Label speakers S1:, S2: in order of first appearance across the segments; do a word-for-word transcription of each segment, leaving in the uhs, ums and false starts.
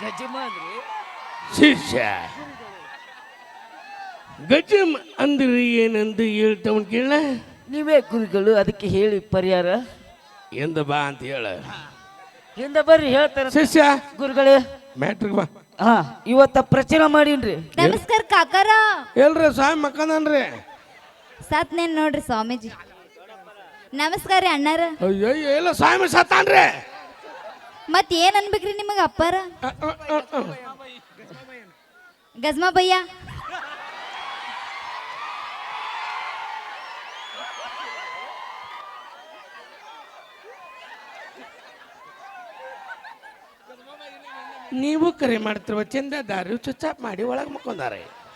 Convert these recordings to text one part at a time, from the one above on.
S1: ಗಜಮ ಅಂದ್ರೆ
S2: ಶಿಷ್ಯ ಗಜಮ್ ಅಂದ್ರೆ ಏನಂದು ಹೇಳ್ತವನ್ ಕೇಳ.
S1: ನೀವೇ ಗುರುಗಳು, ಅದಕ್ಕೆ ಹೇಳಿ ಪರಿಹಾರ.
S2: ಎಂದ ಬಾ ಅಂತ ಹೇಳ.
S1: ಹಿಂದ ಬರ್ರಿ ಹೇಳ್ತಾರ
S2: ಶಿಷ್ಯ
S1: ಗುರುಗಳೇ.
S2: ಮ್ಯಾಟ್ರಿಕ್ ಬಾ.
S1: ಹಾ ಇವತ್ತ ಪ್ರಚಾರ ಮಾಡೀನ್ರಿ.
S3: ನಮಸ್ಕಾರ ಕಾಕಾರ.
S2: ಎಲ್ರಿ ಸ್ವಾಮಿ ಮಕ್ಕಂದನ್ರಿ.
S3: ಸತ್ ನೇನ್ ನೋಡ್ರಿ ಸ್ವಾಮೀಜಿ. ನಮಸ್ಕಾರ ರೀ ಅಣ್ಣಾರ.
S2: ಅಯ್ಯೋ ಎಲ್ಲ ಸ್ವಾಮಿ ಸತ್ತಾನ್ರಿ.
S3: ಮತ್ ಏನ್ ಅನ್ಬೇಕ್ರಿ ನಿಮಗ ಅಪ್ಪಾರ? ಗಜ್ಮಾ ಭಯ್ಯ.
S2: ನೀವು ಕರೆ ಮಾಡ್ತಿರುವ ಚಂದ ದಾರಿ ಚುಚ್ಚಾಪ್ ಮಾಡಿ ಒಳಗೆ ಮಕ್ಕೊಂದಾರೆ.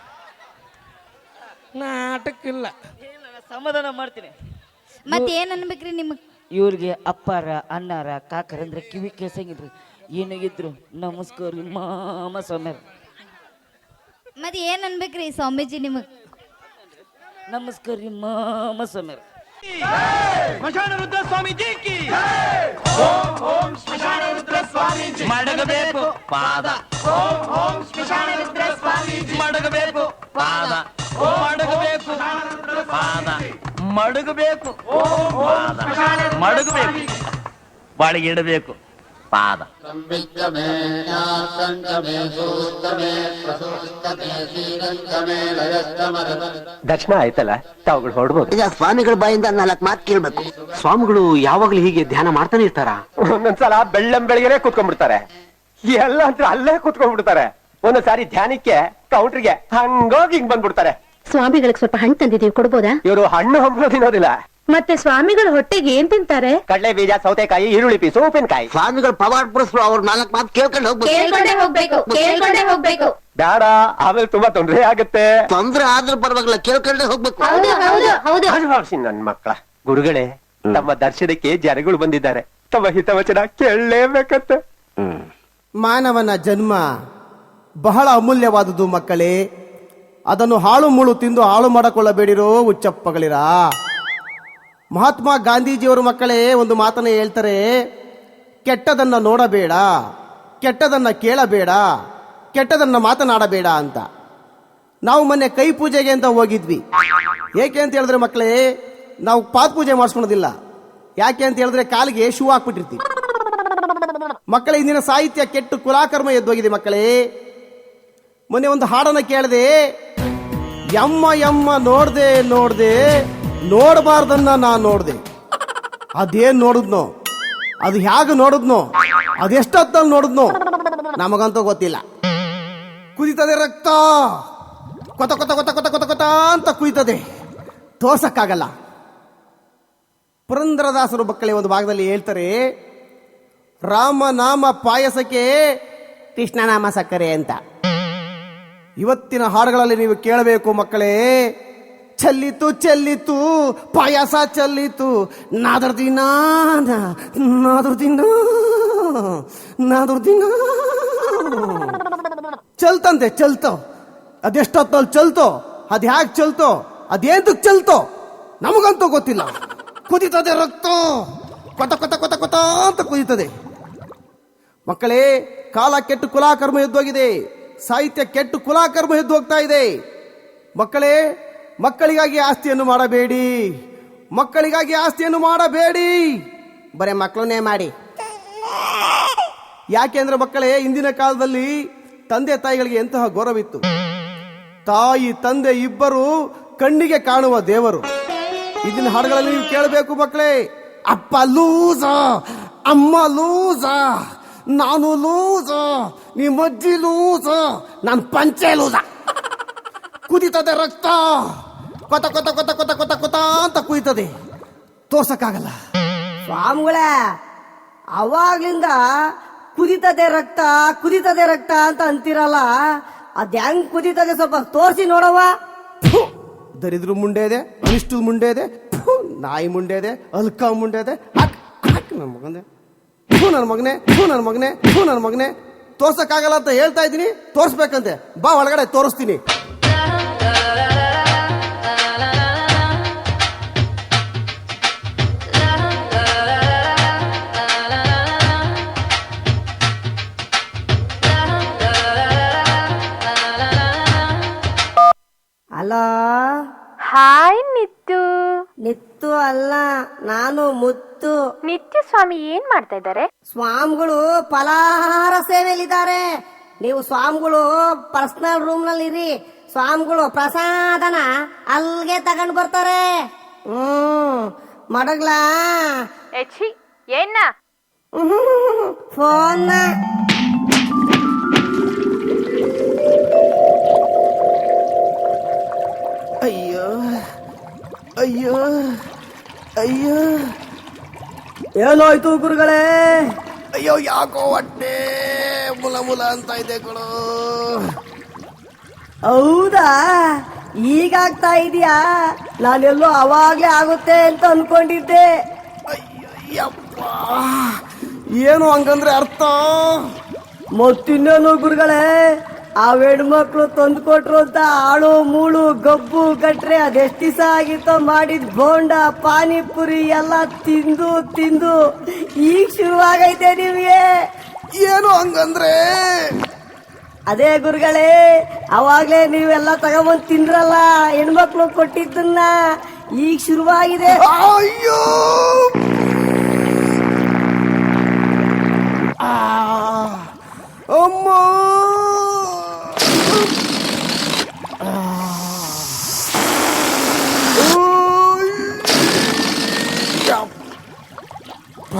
S2: ನಾಟಕ್ಕಿಲ್ಲ,
S1: ಸಮಾಧಾನ ಮಾಡ್ತೀನಿ.
S3: ಮತ್ ಏನ್ ಅನ್ಬೇಕ್ರಿ ನಿಮಗ್?
S1: ಇವ್ರಿಗೆ ಅಪ್ಪಾರ ಅಣ್ಣಾರ ಕಾಕರ ಅಂದ್ರೆ ಕಿವಿ ಕೇಸಂಗಿದ್ರಿ. ಏನಾಗಿದ್ರು ನಮಸ್ಕಾರ ಮಾಮ ಸ್ವಾಮ್ಯಾರ.
S3: ಮತ್ ಏನ್ ಅನ್ಬೇಕ್ರಿ ಸ್ವಾಮೀಜಿ ನಿಮಗ್?
S1: ನಮಸ್ಕಾರ ರೀ ಮಾಮ ಸ್ವಾಮ್ಯಾರ.
S4: ಸ್ಮಶಾನ ರುದ್ರ ಸ್ವಾಮೀಜಿ ಕಿ ಓಂ ಓಂ ಸ್ಮಶಾನ ರುದ್ರ ಸ್ವಾಮೀಜಿ ಮಡಗಬೇಕು ಪಾದ. ಓಂ ಓಂ ಸ್ಮಶಾನ ರುದ್ರ ಸ್ವಾಮೀಜಿ ಮಡಗಬೇಕು ಪಾದ. ಓಂ ಮಡಗಬೇಕು ಪಾದ. ಮಡಗಬೇಕು ಪಾದ. ಮಡಗಬೇಕು ಬಾಳಿಗೆ ಇಡಬೇಕು ಪಾದ.
S5: ದರ್ಶನ ಆಯ್ತಲ್ಲ, ತಾವುಗಳು ಹೊರಡ್ಬೋದು.
S6: ಈಗ ಸ್ವಾಮಿಗಳ ಬಾಯಿಂದ ನಾಲ್ಕು ಮಾತು ಕೇಳ್ಬೇಕು.
S5: ಸ್ವಾಮಿಗಳು ಯಾವಾಗ್ಲೂ ಹೀಗೆ ಧ್ಯಾನ ಮಾಡ್ತಾನೆ ಇರ್ತಾರ? ಒಂದೊಂದ್ಸಲ ಬೆಳ್ಳಂ ಬೆಳಗ್ಗೆನೆ ಕೂತ್ಕೊಂಡ್ಬಿಡ್ತಾರೆ, ಎಲ್ಲ ಅಂತ ಅಲ್ಲೇ ಕೂತ್ಕೊಂಡ್ಬಿಡ್ತಾರೆ. ಒಂದೊಂದ್ಸಾರಿ ಧ್ಯಾನಕ್ಕೆ ಕೌಂಟ್ರಿಗೆ ಹಂಗೋಗಿ ಹಿಂಗ್ ಬಂದ್ಬಿಡ್ತಾರೆ.
S7: ಸ್ವಾಮಿಗಳಿಗೆ ಸ್ವಲ್ಪ ಹಣ್ಣು ತಂದಿದೀವಿ, ಕೊಡ್ಬೋದಾ?
S5: ಇವರು ಹಣ್ಣು ಹಂಪಲು ತಿನ್ನೋದಿಲ್ಲ.
S7: ಮತ್ತೆ ಸ್ವಾಮಿಗಳ ಹೊಟ್ಟೆಗೆ ಏನ್ ತಿಂತಾರೆ?
S5: ಕಡಲೆ ಬೀಜ, ಸೌತೆಕಾಯಿ, ಈರುಳ್ಳಿ ಪೀಸು, ಉಪ್ಪಿನಕಾಯಿ.
S6: ಸ್ವಾಮಿಗಳು ಪವಾಡ ಪುರುಷರು, ಅವ್ರ ನಾಲ್ಕು ಮಾತು ಕೇಳ್ಕೊಂಡು
S7: ಹೋಗ್ಬೇಕು ಕೇಳ್ಕೊಂಡೇ ಹೋಗ್ಬೇಕು.
S5: ಬೇಡ, ಆಮೇಲೆ ತುಂಬಾ ತೊಂದರೆ ಆಗುತ್ತೆ.
S6: ತೊಂದ್ರೆ ಆದ್ರೂ ಪರವಾಗಿಲ್ಲ, ಕೇಳ್ಕೊಂಡೇ ಹೋಗ್ಬೇಕು.
S5: ಭಾಷಿ ನನ್ ಮಕ್ಕಳ. ಗುರುಗಳೇ, ತಮ್ಮ ದರ್ಶನಕ್ಕೆ ಜನಗಳು ಬಂದಿದ್ದಾರೆ, ತಮ್ಮ ಹಿತವಚನ ಕೇಳಲೇಬೇಕಂತೆ.
S8: ಮಾನವನ ಜನ್ಮ ಬಹಳ ಅಮೂಲ್ಯವಾದುದು ಮಕ್ಕಳೇ. ಅದನ್ನು ಹಾಳು ಮುಳು ತಿಂದು ಹಾಳು ಮಾಡಿಕೊಳ್ಳಬೇಡಿರೋ ಹುಚ್ಚಪ್ಪಗಳಿರ. ಮಹಾತ್ಮ ಗಾಂಧೀಜಿಯವರು ಮಕ್ಕಳೇ ಒಂದು ಮಾತನ್ನ ಹೇಳ್ತಾರೆ, ಕೆಟ್ಟದನ್ನ ನೋಡಬೇಡ, ಕೆಟ್ಟದನ್ನ ಕೇಳಬೇಡ, ಕೆಟ್ಟದನ್ನ ಮಾತನಾಡಬೇಡ ಅಂತ. ನಾವು ಮೊನ್ನೆ ಕೈ ಪೂಜೆಗೆ ಅಂತ ಹೋಗಿದ್ವಿ. ಏಕೆ ಅಂತ ಹೇಳಿದ್ರೆ ಮಕ್ಕಳೇ, ನಾವು ಪಾದ ಪೂಜೆ ಮಾಡಿಸ್ಕೊಳೋದಿಲ್ಲ. ಯಾಕೆ ಅಂತ ಹೇಳಿದ್ರೆ ಕಾಲಿಗೆ ಶೂ ಹಾಕ್ಬಿಟ್ಟಿರ್ತೀವಿ. ಮಕ್ಕಳೇ, ಇಂದಿನ ಸಾಹಿತ್ಯ ಕೆಟ್ಟು ಕುಲಾಕರ್ಮ ಎದ್ದೋಗಿದೆ ಮಕ್ಕಳೇ. ಮೊನ್ನೆ ಒಂದು ಹಾಡನ್ನ ಕೇಳದೆ, ಯಮ್ಮ ಯಮ್ಮ ನೋಡ್ದೆ ನೋಡ್ದೆ ನೋಡಬಾರ್ದನ್ನ ನಾ ನೋಡ್ದೆ. ಅದೇನ್ ನೋಡಿದ್ನೋ, ಅದು ಹೇಗೆ ನೋಡಿದ್ನೋ, ಅದೆಷ್ಟೊತ್ತಲ್ಲಿ ನೋಡಿದ್ನೋ ನಮಗಂತೂ ಗೊತ್ತಿಲ್ಲ. ಕುದಿತದೆ ರಕ್ತ, ಕೊತ ಕೊತ ಕೊತ ಕೊತ ಕೊತ ಕೊತ ಅಂತ ಕುಯ್ತದೆ, ತೋರ್ಸಕ್ಕಾಗಲ್ಲ. ಪುರಂದರದಾಸರು ಮಕ್ಕಳೇ ಒಂದು ಭಾಗದಲ್ಲಿ ಹೇಳ್ತಾರೆ, ರಾಮನಾಮ ಪಾಯಸಕ್ಕೆ ಕೃಷ್ಣನಾಮ ಸಕ್ಕರೆ ಅಂತ. ಇವತ್ತಿನ ಹಾಡುಗಳಲ್ಲಿ ನೀವು ಕೇಳಬೇಕು ಮಕ್ಕಳೇ, ಚೆಲ್ಲಿತು ಚೆಲ್ಲಿತು ಪಾಯಸ ಚೆಲ್ಲಿತು, ನಾದರ್ದಿನ ನಾದರ್ದಿನ ನಾದರ್ದಿನ ಚಲ್ತಂತೆ ಚಲ್ತೋ. ಅದೆಷ್ಟೊತ್ತಲ್ಲಿ ಚಲ್ತೋ, ಅದ್ ಹ್ಯಾಕ್ ಚಲ್ತೋ, ಅದೇಂತಕ್ ಚಲ್ತೋ ನಮಗಂತೂ ಗೊತ್ತಿಲ್ಲ. ಕುದಿತದೆ ರಕ್ತ, ಕೊತ ಕೊತ ಕೊತ ಕೊತ ಅಂತ ಕುದಿತದೆ. ಮಕ್ಕಳೇ, ಕಾಲ ಕೆಟ್ಟು ಕುಲಾಕರ್ಮ ಎದ್ದೋಗಿದೆ, ಸಾಹಿತ್ಯ ಕೆಟ್ಟು ಕುಲಾಕರ್ಮ ಎದ್ದು ಹೋಗ್ತಾ ಇದೆ. ಮಕ್ಕಳೇ, ಮಕ್ಕಳಿಗಾಗಿ ಆಸ್ತಿಯನ್ನು ಮಾಡಬೇಡಿ, ಮಕ್ಕಳಿಗಾಗಿ ಆಸ್ತಿಯನ್ನು ಮಾಡಬೇಡಿ, ಬರೇ ಮಕ್ಕಳನ್ನೇ ಮಾಡಿ. ಯಾಕೆಂದ್ರೆ ಮಕ್ಕಳೇ, ಇಂದಿನ ಕಾಲದಲ್ಲಿ ತಂದೆ ತಾಯಿಗಳಿಗೆ ಎಂತಹ ಗೌರವಿತ್ತು. ತಾಯಿ ತಂದೆ ಇಬ್ಬರು ಕಣ್ಣಿಗೆ ಕಾಣುವ ದೇವರು. ಇದನ್ನ ಹಾಡುಗಳಲ್ಲಿ ನೀವು ಕೇಳಬೇಕು ಮಕ್ಕಳೇ. ಅಪ್ಪ ಲೂಸ, ಅಮ್ಮ ಲೂಸ, ನಾನು ಲೂಸ, ನಿಮ್ಮಜ್ಜಿ ಲೂಸ, ನಾನು ಪಂಚೆ ಲೂಸ. ಕುದಿತದೆ ರಕ್ತ, ಕೊತ ಕೊತ ಕೊತ ಕೊತ ಕೊತ ಕೊತ ಅಂತ ಕುಯ್ತದೆ, ತೋರ್ಸಕ್ಕಾಗಲ್ಲ.
S9: ಸ್ವಾಮಿಗಳ ಅವಾಗ್ಲಿಂದ ಕುದಿತದೆ ರಕ್ತ ಕುದಿತದೆ ರಕ್ತ ಅಂತ ಅಂತಿರಲ್ಲ, ಅದ್ ಹೆಂಗ್ ಕುದಿತದೆ ಸ್ವಲ್ಪ ತೋರಿಸಿ ನೋಡವ್ವ.
S8: ದರಿದ್ರ ಮುಂಡೆ ಇದೆ, ಅನಿಷ್ಟು ಮುಂಡೆ ಇದೆ, ನಾಯಿ ಮುಂಡೆ ಇದೆ, ಅಲ್ಕ ಮುಂಡೆ ಇದೆ. ನನ್ನ ಮಗನೇ ಹೂ ನನ್ನ ಮಗನೇ ಹೂ ನನ್ನ ಮಗನೇ ಹೂ ನನ್ನ ಮಗನೇ ತೋರ್ಸಕ್ಕಾಗಲ್ಲ ಅಂತ ಹೇಳ್ತಾ ಇದ್ದೀನಿ, ತೋರ್ಸ್ಬೇಕಂತೆ. ಬಾ ಒಳಗಡೆ ತೋರಿಸ್ತೀನಿ.
S9: Hello,
S7: hi ನಿತ್ತು.
S9: ನಿತ್ತು ಅಲ್ಲ, ನಾನು ಮುತ್ತು.
S7: ನಿತ್ಯ ಸ್ವಾಮಿ ಏನ್ ಮಾಡ್ತಾ ಇದ್ದಾರೆ?
S9: ಸ್ವಾಮಿಗಳು ಫಲಾಹಾರ ಸೇವೆಯಲ್ಲಿದ್ದಾರೆ. ನೀವು ಸ್ವಾಮಿಗಳು ಪರ್ಸನಲ್ ರೂಮ್ ನಲ್ಲಿ ಇರಿ. ಸ್ವಾಮಿಗಳು ಪ್ರಸಾದನ ಅಲ್ಲಿಗೆ ತಗೊಂಡು ಬರ್ತಾರೆ. ಹ್ಮ್ ಮಡಗ್ಲಾ
S7: ಎಚ್ಚಿ ಏನ
S9: ಫೋನ್
S8: ಅಯ್ಯೋ ಅಯ್ಯೋ ಅಯ್ಯೋ
S9: ಏನಾಯ್ತು ಗುರುಗಳೇ?
S8: ಅಯ್ಯೋ ಯಾಕೋ ಹೊಟ್ಟೆ ಮುಲ ಮುಲ ಅಂತ ಇದೆ ಕಣೋ.
S9: ಹೌದಾ, ಈಗಾಗ್ತಾ ಇದೆಯಾ? ನಾನೆಲ್ಲೋ ಅವಾಗ್ಲೇ ಆಗುತ್ತೆ ಅಂತ ಅನ್ಕೊಂಡಿದ್ದೆ.
S8: ಅಯ್ಯಪ್ಪ, ಏನು ಹಂಗಂದ್ರೆ ಅರ್ಥ?
S9: ಮತ್ತಿನ್ನೇನು ಗುರುಗಳೇ, ಆ ಹೆಣ್ಮಕ್ಳು ತಂದು ಕೊಟ್ರು ಅಂತ ಆಳು ಮೂಳು ಗಬ್ಬು ಗಟ್ರೆ ಅದೆಷ್ಟು ದಿವಸ ಆಗಿತ್ತೋ ಮಾಡಿದ್ ಬೋಂಡ ಪಾನಿಪುರಿ ಎಲ್ಲ ತಿಂದು ತಿಂದು ಈಗ ಶುರುವಾಗೈತೆ ನಿಮ್ಗೆ.
S8: ಏನು ಹಂಗಂದ್ರೆ?
S9: ಅದೇ ಗುರುಗಳೇ, ಅವಾಗ್ಲೇ ನೀವೆಲ್ಲ ತಗೊಂಬಂದ್ ತಿಂದ್ರಲ್ಲ ಹೆಣ್ಮಕ್ಳು ಕೊಟ್ಟಿದ್ದನ್ನ, ಈಗ ಶುರುವಾಗಿದೆ.
S8: ಅಯ್ಯೋ ಆ, ಅಮ್ಮ ಆ, ಓಯ್, ಯಪ್ಪ.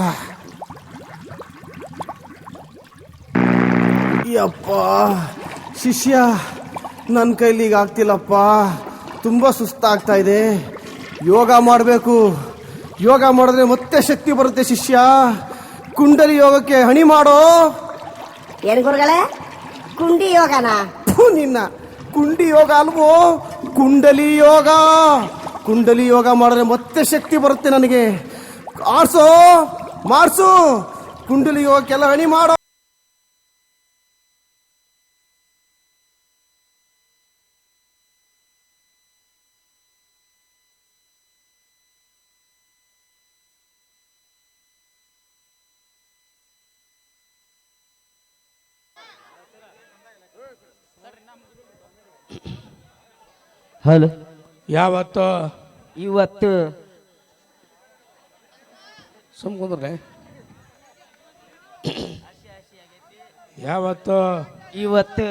S8: ಯಪ್ಪ ಶಿಷ್ಯ, ನನ್ನ ಕೈಲಿ ಈಗ ಆಗ್ತಿಲ್ಲಪ್ಪ, ತುಂಬ ಸುಸ್ತಾಗ್ತಾ ಇದೆ. ಯೋಗ ಮಾಡಬೇಕು. ಯೋಗ ಮಾಡಿದ್ರೆ ಮತ್ತೆ ಶಕ್ತಿ ಬರುತ್ತೆ ಶಿಷ್ಯ. ಕುಂಡಲಿ ಯೋಗಕ್ಕೆ ಹಣಿ ಮಾಡೋ.
S9: ಏನ್ ಗುರುಗಳೇ, ಕುಂಡಿ ಯೋಗನ?
S8: ಥು, ನಿನ್ನ ಕುಂಡಿ ಯೋಗ ಅಲ್ವೋ, ಕುಂಡಲಿ ಯೋಗ. ಕುಂಡಲಿ ಯೋಗ ಮಾಡಿದ್ರೆ ಮತ್ತೆ ಶಕ್ತಿ ಬರುತ್ತೆ ನನಗೆ. ಆಡ್ಸೋ, ಮಾಡ್ಸು, ಕುಂಡಲಿ ಯೋಗಕ್ಕೆಲ್ಲ ಹಣಿ ಮಾಡೋ.
S1: ಹಲೋ,
S2: ಯಾವತ್ತು
S1: ಇವತ್ತು
S2: ಸುಮ್ಕುಂದ್ರೆ ಯಾವತ್ತು
S1: ಇವತ್ತು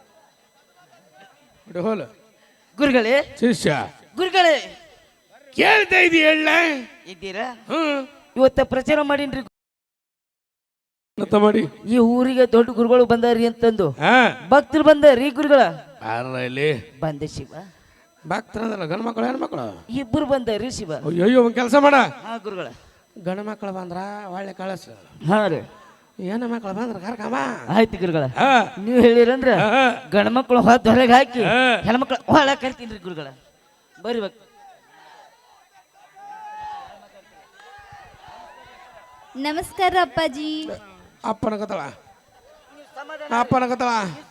S2: ಹೋಲ
S1: ಗುರುಗಳೇ,
S2: ಶಿಷ್ಯ
S1: ಗುರುಗಳೇ
S2: ಕೇಳ್ತಾ ಇದ್ದೀ ಹೇಳ.
S1: ಇದ್ದೀರಾ?
S2: ಹ್ಮ್
S1: ಇವತ್ತ ಪ್ರಚಾರ ಮಾಡೀನ್ರಿ.
S2: ಅಂತ ಮಾಡಿ
S1: ಈ ಊರಿಗೆ ದೊಡ್ಡ ಗುರುಗಳು ಬಂದಾರಿ ಅಂತಂದು
S2: ಹಾ
S1: ಭಕ್ತರು ಬಂದಾರಿ. ಗುರುಗಳ
S2: ಬಾರ ಇಲ್ಲಿ
S1: ಬಂದೆ ಶಿವ.
S2: ಭಕ್ತರಂದ್ರಲ್ಲ ಗಂಡು ಮಕ್ಕಳು ಹೆಣ್ಮಕ್ಳು
S1: ಇಬ್ಬರು ಬಂದಾರಿ ಶಿವ.
S2: ಅಯ್ಯೋ ಒಂದು ಕೆಲಸ ಮಾಡ,
S1: ಹಾ ಗುರುಗಳ.
S2: ಗಂಡು ಮಕ್ಕಳು ಬಂದ್ರ ಒಳ್ಳೆ ಕಳಸ,
S1: ಹಾ ರೀ,
S2: ಹೆಣ್ಣು ಮಕ್ಕಳು ಬಂದ್ರ ಕರ್ಕಮ್ಮ.
S1: ಆಯ್ತು ಗುರುಗಳ.
S2: ಹಾ
S1: ನೀವು ಹೇಳಿರಂದ್ರ
S2: ಹಾ.
S1: ಗಂಡ ಮಕ್ಕಳು ಹೊತ್ತು ಹೊರಗೆ ಹಾಕಿ
S2: ಹಾ.
S1: ಹೆಣ್ಮಕ್ಳು ಹೊಳ ಕರಿತೀನಿ ಗುರುಗಳ. ಬರ್ರಿ ಭಕ್ತ.
S3: ನಮಸ್ಕಾರ ಅಪ್ಪಾಜಿ.
S2: ಅಪ್ಪನ ಕತ್ತಳ ಅಪ್ಪನ ಕತ್ತಳ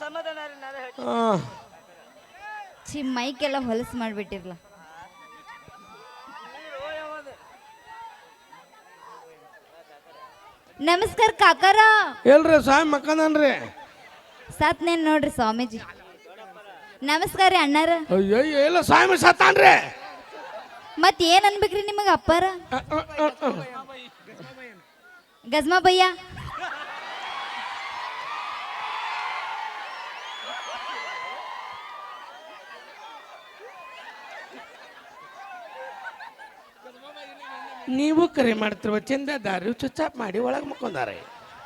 S3: ಛೀ, ಮೈಕೆಲ್ಲ ಹೊಲಸು ಮಾಡ್ಬಿಟ್ಟಿರ್ಲ. ನಮಸ್ಕಾರ ಕಾಕಾರ.
S2: ಎಲ್ರಿ ಸ್ವಾಮಿ ಮಕ್ಕಂದನ್ರಿ.
S3: ಸತ್ನೇನ್ ನೋಡ್ರಿ ಸ್ವಾಮೀಜಿ. ನಮಸ್ಕಾರ ರೀ ಅಣ್ಣಾರ.
S2: ಅಯ್ಯೋ ಎಲ್ಲ ಸ್ವಾಮಿ ಸತ್ತಾನ್ರಿ.
S3: ಮತ್ ಏನ್ ಅನ್ಬೇಕ್ರಿ ನಿಮಗ ಅಪ್ಪಾರ? ಗಜ್ಮಾ ಭಯ್ಯ.
S2: ನೀವು ಕರೆ ಮಾಡ್ತಿರುವ ಚಂದದಾರಿ ಚುಚ್ಚಾಪ್ ಮಾಡಿ ಒಳಗೆ ಮುಕ್ಕೊಂದಾರೆ.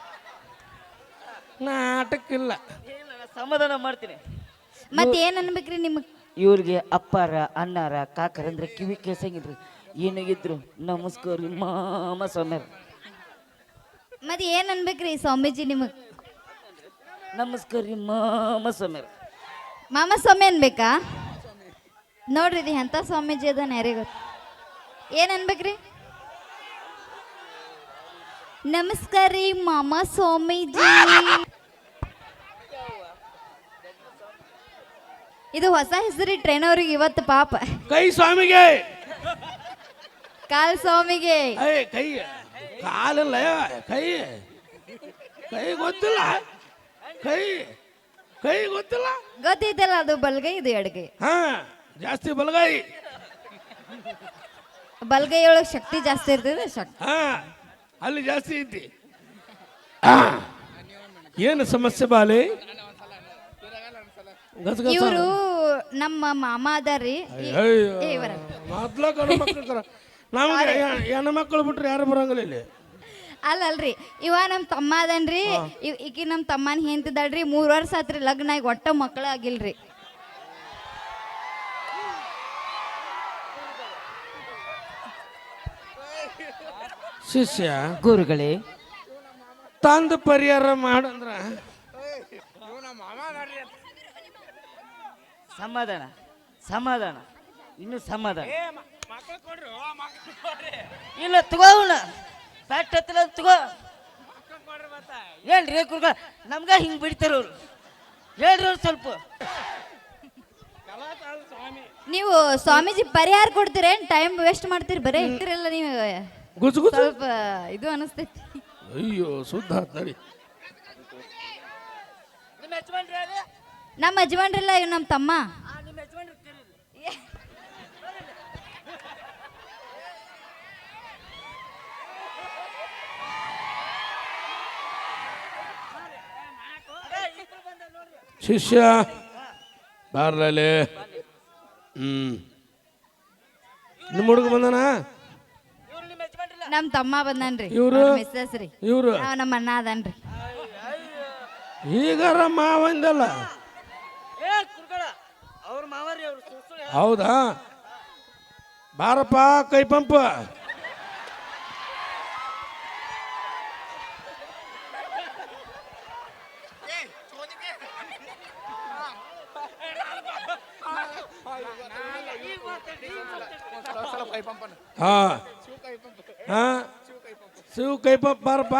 S2: ನಾಟಕ್ಕಿಲ್ಲ,
S1: ಸಮಾಧಾನ ಮಾಡ್ತೀನಿ.
S3: ಮತ್ ಏನ್ ಅನ್ಬೇಕ್ರಿ ನಿಮಗ್?
S1: ಇವ್ರಿಗೆ ಅಪ್ಪಾರ ಅಣ್ಣಾರ ಕಾಕರಂದ್ರೆ ಕಿವಿ ಕೇಸಂಗಿಲ್ರಿ. ಏನಾಗಿದ್ರು ನಮಸ್ಕಾರ ರೀ ಮಾಮ ಸ್ವಾಮ್ಯಾರ.
S3: ಮತ್ ಏನ್ ಅನ್ಬೇಕ್ರಿ ಸ್ವಾಮೀಜಿ ನಿಮಗ್?
S1: ನಮಸ್ಕಾರ ರೀ ಮಾಮ ಸ್ವಾಮ್ಯಾರ.
S3: ಮಾಮ ಸ್ವಾಮಿ ಅನ್ಬೇಕಾ? ನೋಡ್ರಿ ಇದು ಎಂತ ಸ್ವಾಮೀಜಿ ಅದ ಯಾರಿಗೆ ಗೊತ್ತು. ಏನ್ ಅನ್ಬೇಕ್ರಿ? ನಮಸ್ಕಾರ ರೀ ಮಾಮ ಸ್ವಾಮೀಜಿ. ಇದು ಹೊಸ ಹೆಸರಿ ಟ್ರೈನ್ ಅವ್ರಿಗೆ ಇವತ್ತು ಪಾಪ.
S2: ಕೈ ಸ್ವಾಮಿಗೆ,
S3: ಕಾಲ್ ಸ್ವಾಮಿಗೆ.
S2: ಐ ಕೈ ಕಾಲಲ್ಲ, ಕೈ ಕೈ ಗೊತ್ತಿಲ್ಲ, ಕೈ ಕೈ ಗೊತ್ತಿಲ್ಲ.
S3: ಗೊತ್ತೈತಲ್ಲ, ಅದು ಬಲ್ಗೈ ಇದು ಎಡಗೈ.
S2: ಹಾ ಜಾಸ್ತಿ ಬಲಗಾಯಿ.
S3: ಬಲ್ಗೈ ಒಳಗೆ ಶಕ್ತಿ ಜಾಸ್ತಿ ಇರ್ತದೆ ಶಕ್ತಿ.
S2: ಹಾ ಅಲ್ಲಿ ಜಾಸ್ತಿ ಐತಿ. ಏನು ಸಮಸ್ಯೆ ಬಾಲೆ? ಗಸಗಸ
S3: ಇವರು ನಮ್ಮ ಮಾಮ ಅದಾರ್ರಿ. ಈ- ಏ ಇವರ.
S2: ಮೊದ್ಲ ಗಂಡು ಮಕ್ಕಳು ನಮ್ಗೆ ಹೆಣ್ಣು ಮಕ್ಕಳು ಬಿಟ್ರೆ ಯಾರು ಬರಂಗಿಲ್ಲ ಇಲ್ಲಿ.
S3: ಅಲ್ಲಲ್ರಿ ಇವ ನಮ್ಮ ತಮ್ಮ ಅದನ್ರಿ. ಇವ್- ಈಕಿ ನಮ್ಮ ತಮ್ಮನ ಹೆಂತಿದ್ದಾಳ್ರಿ. ಮೂರ್ ವರ್ಷ ಆತ್ರಿ ಲಗ್ನ ಆಗಿ ಒಟ್ಟ ಮಕ್ಕಳ ಆಗಿಲ್ರಿ.
S2: ಶಿಷ್ಯ
S1: ಗುರುಗಳೇ,
S2: ತಂದ ಪರಿಹಾರ ಮಾಡಂದ್ರ
S1: ಸಮಾಧಾನ ಸಮಾಧಾನ ಇನ್ನು ಸಮಾಧಾನ ಇಲ್ಲ. ತಗೋಣ ಫ್ಯಾಕ್ಟ್ ಹತ್ತಿರ ತಗೋ. ಏನ್ರಿ ಗುರುಗಳ ನಮ್ಗ ಹಿಂಗ್ ಬಿಡ್ತಾರ ಅವ್ರು. ಹೇಳ್ರಿ ಅವ್ರು ಸ್ವಲ್ಪ.
S3: ನೀವು ಸ್ವಾಮೀಜಿ ಪರಿಹಾರ ಕೊಡ್ತೀರೇನ್? ಟೈಮ್ ವೇಸ್ಟ್ ಮಾಡ್ತೀರಿ ಬರೇ ಇರ್ತಿರಲ್ಲ ನೀವು.
S2: ಗುಜು ಗುಜು.
S3: ಸ್ವಲ್ಪ ಇದು ಅನಿಸ್ತೈತಿ.
S2: ಅಯ್ಯೋ ಶುದ್ಧ ಆತ್ ನಡಿ.
S1: ನಿಮ್ಮ ಯಜಮಾನ್ರಿ ಯಾರು?
S3: ನಮ್ಮ ಯಜಮಾನ್ರಿಲ್ಲ ಇವ್ ನಮ್ಮ ತಮ್ಮ.
S1: ಆ, ನಿಮ್ಮ ಯಜಮಾನ್ರಿ ಕರೀರಿ.
S2: ಶಿಷ್ಯ ಬಾರ್ಲೇ. ಹ್ಮ್ ನಿಮ್ಮ ಹುಡುಗ ಬಂದನ?
S1: ಇವ್ರು ನಿಮ್ಮ ಯಜಮಾನ್ರಿಲ್ಲ.
S3: ನಮ್ಮ ತಮ್ಮ ಬಂದನ್ರಿ.
S2: ಇವ್ರು?
S3: ಮಿಸ್ಸಸ್ ರೀ.
S2: ಇವ್ರು
S3: ನಾವ್ ನಮ್ಮ ಅಣ್ಣ ಅದನ್ರಿ.
S2: ಈಗಾರ ಮಾವಂದಲ್ಲ.
S1: ಏ ಗುರುಗಳ ಅವ್ರ ಮಾವರಿ ಅವ್ರು ಸುಳ್ಳು ಸುಳ್ಳು ಹೇಳ್-
S2: ಹೌದಾ? ಬಾರಪ್ಪ ಕೈ ಪಂಪ. ಹಾ ಹಾ ಶಿವ ಕೈ ಪಂಪ್ ಬಾರಪ್ಪ.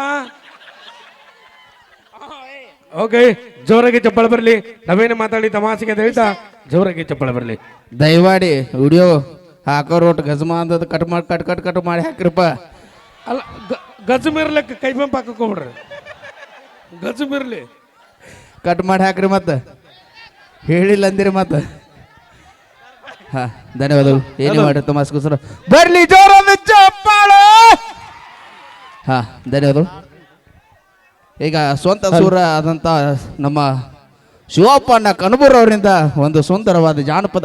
S2: ಓಕೆ, ಜೋರಾಗಿ ಚಪ್ಪಳ ಬರಲಿ. ನಾವೇನು ಮಾತಾಡಿ ತಮಾಷೆಗೆ ಅಂತ ಹೇಳ್ತಾ ಜೋರಾಗಿ ಚಪ್ಪಳ ಬರಲಿ.
S10: ದಯಮಾಡಿ ವಿಡಿಯೋ ಹಾಕೋ ರೋಟ್ ಗಜಮ ಅಂದದ ಕಟ್ ಮಾಡಿ ಕಟ್ ಕಟ್ ಕಟ್ ಮಾಡಿ ಹಾಕಿರಪ್ಪ.
S2: ಅಲ್ಲ ಗಜಮಿರ್ಲಕ್ಕೆ ಕೈ ಪಂಪ್ ಹಾಕೋಬಿಡ್ರಿ. ಗಜಮಿರ್ಲಿ
S10: ಕಟ್ ಮಾಡಿ ಹಾಕ್ರಿ ಮತ್ತೆ ಹೇಳಿಲ್ಲ ಅಂದಿರಿ ಮತ್ತೆ. ಹಾ ಧನ್ಯವಾದಗಳು. ಏನು ಮಾಡಿ ತಮಾಸ್ಕೋಸ್ಕರ ಬರ್ಲಿ ಜೋರಾದ ಚಪ್ಪಾಳ. ಹಾ ಧನ್ಯವಾದಗಳು. ಈಗ ಸ್ವಂತ ಸೂರ ಆದಂಥ ನಮ್ಮ ಶಿವಪ್ಪಣ್ಣ ಕನಬೂರ್ ಅವರಿಂದ ಒಂದು ಸುಂದರವಾದ ಜಾನಪದ